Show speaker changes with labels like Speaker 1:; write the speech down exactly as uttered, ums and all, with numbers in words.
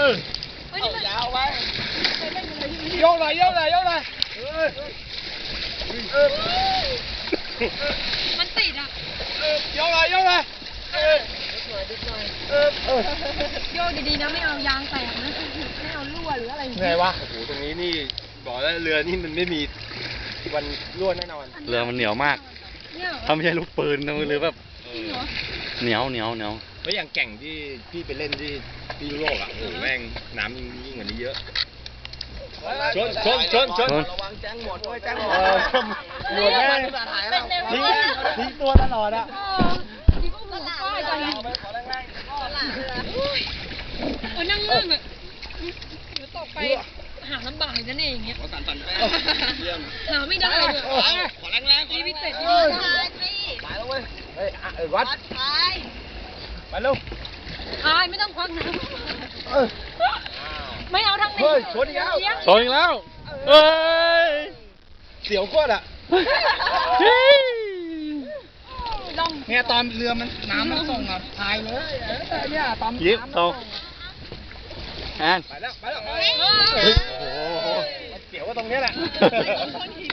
Speaker 1: อเอายาวไปโยกหน่อยโยกหน่อยโยกหน่อยเออเออ
Speaker 2: มันติดอ่ะ
Speaker 1: เออโยกหน่อยโยกหน่อยเออเออเออ
Speaker 2: โยกดีๆนะไม่เอายางแตกนะไม่เอารั่วหรืออะไร
Speaker 1: ไงวะโอ้โหตรงนี้นี่บอกแล้วเรือนี่มันไม่มีวันรั่วแน่นอน
Speaker 3: เรือมันเหนียวมากถ้าไม่ใช่ลูกปืนนะหรือแบบเหนียวเหนียวเหนียว
Speaker 1: แล้วอย่างแก่งที่พี่ไปเล่นที่ที่ยุโรปอ่ะโอ้โหแม่งน้ำยิ่งกว่านี้เยอะชนชนชนชนระวังแจ้งหมดด้วยแจ้งหมดหมดแม่งทิ้งทิ้งตัวตลอดอ่ะ
Speaker 2: ทิ้งก็หมุนป้ายไป
Speaker 1: ขอแรงๆก็หลังเรือ
Speaker 2: โอ้นั่งนั่งอ่ะเดี๋ยวตกไปหาลำบากนั่นเองเงี้ย
Speaker 1: สั่นสั่นแป้ง
Speaker 2: หาไม่ได้เลย
Speaker 1: ขอแรงๆ
Speaker 2: นี่พี่เต็ดนี่
Speaker 1: ไปแล้วเว้ยเฮ้ยเออวัดไปไปลูก
Speaker 2: พายไม่ต้องควักน้ำไม่เอาทางนี้
Speaker 1: เฮ้ยชนอีกแล้ว
Speaker 3: ชนอีกแล้วเอ้ย
Speaker 1: เสียวก้นอ่ะ
Speaker 2: ลอง
Speaker 1: เนี่ยตอนเรือมันน้ำมันส่งอ่ะพายเลยเนี่ยตอน
Speaker 3: ยิบโตแอน
Speaker 1: ไปแล้วไปแล้วโอ้โหเสียวว่าตรงนี้แหละ